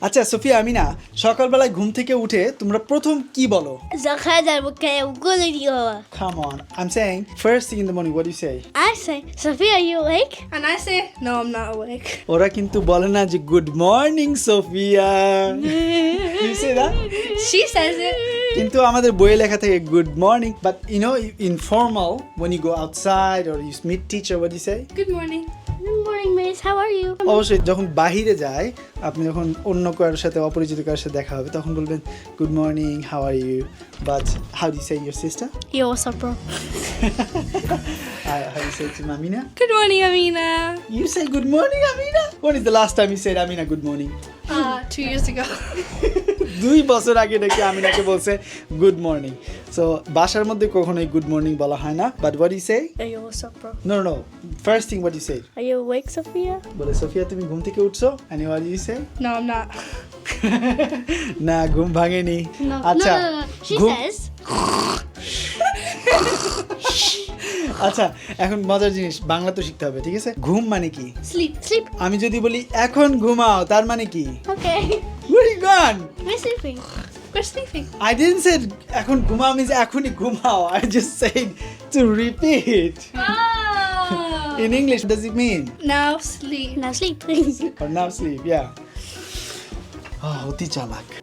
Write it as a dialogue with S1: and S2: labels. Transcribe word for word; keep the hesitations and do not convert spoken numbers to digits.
S1: আচ্ছা সোফিয়া আমিনা সকালবেলায় ঘুম থেকে উঠে তোমরা প্রথম কি বলো?
S2: Zakada bukaya ugulio.
S1: Come on, I'm saying first thing in the morning, what do you say?
S2: I say, Sophia, are you awake?
S3: And I say, no, I'm not awake.
S1: ওরা কিন্তু বলে না যে good morning Sophia. You say that?
S3: She says it.
S1: কিন্তু আমাদের বইয়ে লেখা থাকে good morning, but you know informal when you go outside or you meet teacher, what do you say?
S3: Good morning.
S2: Good morning, miss. How are you?
S1: অবশ্যই যখন বাহিরে যায় আপনি যখন অন্য কারোর সাথে অপরিচিত কারোর সাথে দেখা হবে তখন বলবেন good morning, how are you, but how do you say your sister?
S2: Yo, what's up, bro?
S1: How do you say to Amina?
S3: Good morning, Amina.
S1: You say good morning, Amina? When is the last time you said Amina good morning?
S3: Uh, two years ago.
S1: দুই বছর আগে নাকি আমিনাকে বলছে good morning. So বাসার মধ্যে কখনোই good morning বলা হয় না, but what you say?
S2: Hey, yo, what's up, bro?
S1: No no first thing what you say?
S2: Are you awake, Sophia?
S1: বলে সোফিয়া তুমি ঘুম থেকে উঠছো, and what you say?
S3: No, I'm not.
S1: না ঘুম ভাঙেনি।
S2: No,
S1: আচ্ছা
S2: no, no, no. She
S1: ঘুম-
S2: says,
S1: আচ্ছা এখন মজার জিনিস বাংলা তো শিখতে হবে, ঠিক আছে? ঘুম মানে কি?
S3: Sleep.
S2: sleep.
S1: আমি যদি বলি এখন ঘুমাও তার মানে কি?
S2: Okay.
S1: Where are you gone?
S2: We're sleeping.
S3: We're sleeping.
S1: I didn't say এখন ঘুমাও means এখনই ঘুমাও. I just said to repeat.
S3: Oh.
S1: In English, what does it mean?
S3: Now sleep.
S2: Now sleep, please.
S1: Or now sleep, yeah. Oh, অতি চালাক।